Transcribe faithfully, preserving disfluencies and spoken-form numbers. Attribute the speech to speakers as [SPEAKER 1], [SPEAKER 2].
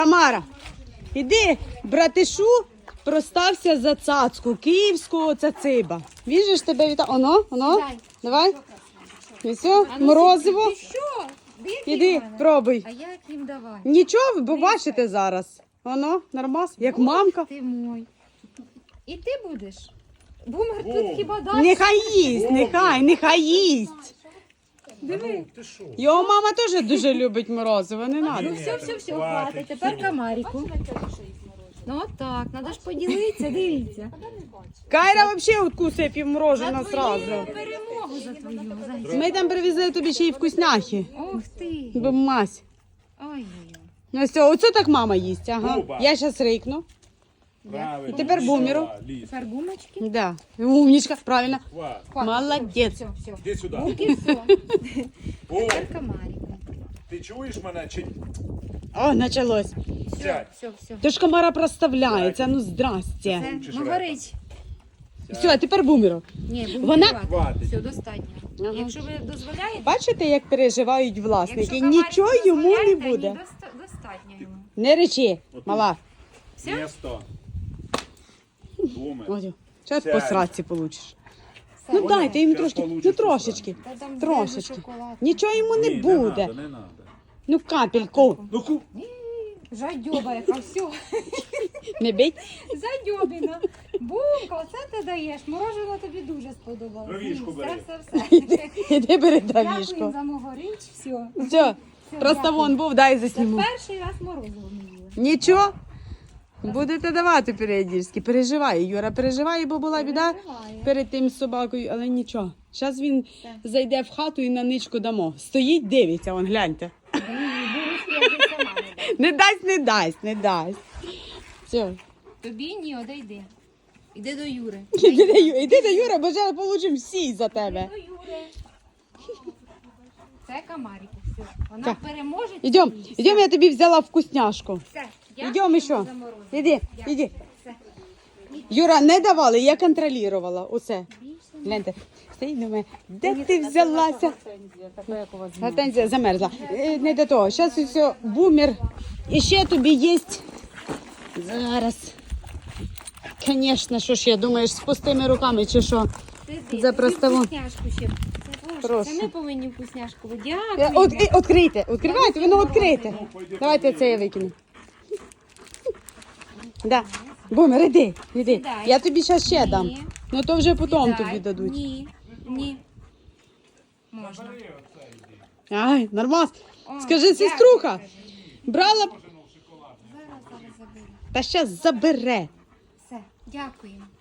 [SPEAKER 1] Тамара, іди, братишу, простався за цацку київського цациба. Віжиш тебе віта... Оно, оно,
[SPEAKER 2] Дай.
[SPEAKER 1] давай. І все, морозиво.
[SPEAKER 2] Ти що? Дивіться
[SPEAKER 1] Іди,
[SPEAKER 2] в мене.
[SPEAKER 1] пробуй.
[SPEAKER 2] А як їм давай?
[SPEAKER 1] Нічого, ви побачите зараз. Оно, нормас, як мамка.
[SPEAKER 2] Ти мой. І ти будеш? Бумер тут хіба дасть?
[SPEAKER 1] Нехай їсть, нехай, нехай їсть.
[SPEAKER 2] Диви.
[SPEAKER 1] Його мама теж дуже любить морозиво, не
[SPEAKER 2] Ну
[SPEAKER 1] треба.
[SPEAKER 2] все, все, все, хватить. Тепер камаріку. Ну так, треба ж поділитися, дивіться.
[SPEAKER 1] Кайра взагалі откусує півмороженого
[SPEAKER 2] За
[SPEAKER 1] зразу.
[SPEAKER 2] твою перемогу за твою. За...
[SPEAKER 1] Ми там привезли тобі ще й вкусняхи.
[SPEAKER 2] Ох ти.
[SPEAKER 1] Бо мась.
[SPEAKER 2] Ой-ой-ой.
[SPEAKER 1] Ну все, оце так мама їсть, ага.
[SPEAKER 3] Люба.
[SPEAKER 1] Я зараз рикну.
[SPEAKER 3] Правильно.
[SPEAKER 1] Тепер бумеру.
[SPEAKER 3] Ліз.
[SPEAKER 2] Тепер гумочки.
[SPEAKER 1] Да. Умничка, правильно.
[SPEAKER 3] Хват.
[SPEAKER 2] Хватить.
[SPEAKER 1] Молодець.
[SPEAKER 2] Все, все.
[SPEAKER 3] Іди сюди.
[SPEAKER 2] Гумки, все.
[SPEAKER 3] О,
[SPEAKER 2] Тепер камаріку.
[SPEAKER 3] ти чуєш мене чи
[SPEAKER 1] О, началось.
[SPEAKER 3] сядь?
[SPEAKER 2] Все, все.
[SPEAKER 1] То ж комара проставляється, ну здрасте.
[SPEAKER 2] Це,
[SPEAKER 3] Учиш
[SPEAKER 2] ну
[SPEAKER 3] репа.
[SPEAKER 2] горить.
[SPEAKER 1] Все, а тепер бумеру.
[SPEAKER 2] Ні, бумер
[SPEAKER 1] Вона-
[SPEAKER 2] хватить.
[SPEAKER 3] Хватить.
[SPEAKER 2] Все, достатньо.
[SPEAKER 1] Ага.
[SPEAKER 2] Якщо ви дозволяєте,
[SPEAKER 1] Бачите, як переживають власники?
[SPEAKER 2] якщо камаріку
[SPEAKER 1] Нічого йому не
[SPEAKER 2] дозволяєте,
[SPEAKER 1] буде.
[SPEAKER 2] ні, доста- достатньо йому.
[SPEAKER 1] Не речи, мала.
[SPEAKER 2] Все?
[SPEAKER 3] Місто. Буми.
[SPEAKER 1] Ось, зараз
[SPEAKER 3] Сядь.
[SPEAKER 1] по сраці получиш.
[SPEAKER 2] Все.
[SPEAKER 1] Ну дайте їм
[SPEAKER 3] Щас
[SPEAKER 1] трошки,
[SPEAKER 3] получиш
[SPEAKER 1] ну
[SPEAKER 3] по
[SPEAKER 1] трошечки,
[SPEAKER 2] Та там
[SPEAKER 1] трошечки.
[SPEAKER 2] зразу шоколад.
[SPEAKER 1] Нічого йому не
[SPEAKER 3] Ні,
[SPEAKER 1] буде.
[SPEAKER 3] надо, не надо.
[SPEAKER 1] Ну капельку.
[SPEAKER 3] Ну ку.
[SPEAKER 2] Жадьоба яка, все.
[SPEAKER 1] Не бить.
[SPEAKER 2] Задьобіна. Бумка, оце ти даєш. Мороженое тобі дуже сподобалося.
[SPEAKER 3] Дровішку
[SPEAKER 2] Все,
[SPEAKER 3] бери.
[SPEAKER 2] все, все.
[SPEAKER 1] Іди бери
[SPEAKER 2] Дякую
[SPEAKER 1] дровішку.
[SPEAKER 2] за мого річ, все.
[SPEAKER 1] Все, просто
[SPEAKER 2] дякую.
[SPEAKER 1] вон був, дай
[SPEAKER 2] Це
[SPEAKER 1] засніму.
[SPEAKER 2] перший раз морозиво не їла.
[SPEAKER 1] Нічого. Будете давати періодично. Переживає, Юра переживає, бо була біда
[SPEAKER 2] Переживає.
[SPEAKER 1] перед тим з собакою, але нічого. Зараз він зайде в хату і на ничку дамо. Стоїть, дивиться, вон, гляньте. Не дасть, не дасть, не дасть. Все.
[SPEAKER 2] Тобі ні, одійди. Іди до Юри.
[SPEAKER 1] Іди до Ю- Іди до Юра, бо зараз получимо всі за тебе.
[SPEAKER 2] До Юри. Це Камаріку, все. Вона
[SPEAKER 1] Так.
[SPEAKER 2] переможе.
[SPEAKER 1] Ідем,
[SPEAKER 2] всі.
[SPEAKER 1] ідем, я тобі взяла вкусняшку.
[SPEAKER 2] Все.
[SPEAKER 1] Ідем
[SPEAKER 2] Дякую
[SPEAKER 1] ще.
[SPEAKER 2] за морозиво.
[SPEAKER 1] Іди,
[SPEAKER 2] Дякую.
[SPEAKER 1] іди.
[SPEAKER 2] Все.
[SPEAKER 1] Юра, не давали, я контролювала. Оце.
[SPEAKER 2] Більше
[SPEAKER 1] Гляньте, стоїть до мене. Де ти взялася? Гортензія замерзла. Е, Не до того. Зараз все, бумер. І ще тобі є. Зараз. Звісно, що ж я думаєш, з пустими руками чи що?
[SPEAKER 2] Ти
[SPEAKER 1] За
[SPEAKER 2] тобі
[SPEAKER 1] проставу.
[SPEAKER 2] вкусняшку ще. Це, Боже,
[SPEAKER 1] Прошу.
[SPEAKER 2] це ми повинні вкусняшку.
[SPEAKER 1] Е,
[SPEAKER 2] Дякую.
[SPEAKER 1] От, і- відкрийте, відкривайте, воно відкрите. Давайте це я викину. Да. Бумер, іди, іди.
[SPEAKER 2] Сідай.
[SPEAKER 1] Я тобі зараз ще дам.
[SPEAKER 2] Ні.
[SPEAKER 1] Ну то вже потім
[SPEAKER 2] Дай.
[SPEAKER 1] тобі дадуть.
[SPEAKER 2] Ні, ні. Можна.
[SPEAKER 1] Ай, нормас.
[SPEAKER 2] О,
[SPEAKER 1] Скажи,
[SPEAKER 2] дякую,
[SPEAKER 1] сеструха,
[SPEAKER 2] кажи.
[SPEAKER 1] брала,
[SPEAKER 2] Зараз, зараз заберу.
[SPEAKER 1] та зараз забере.
[SPEAKER 2] Все, дякуємо.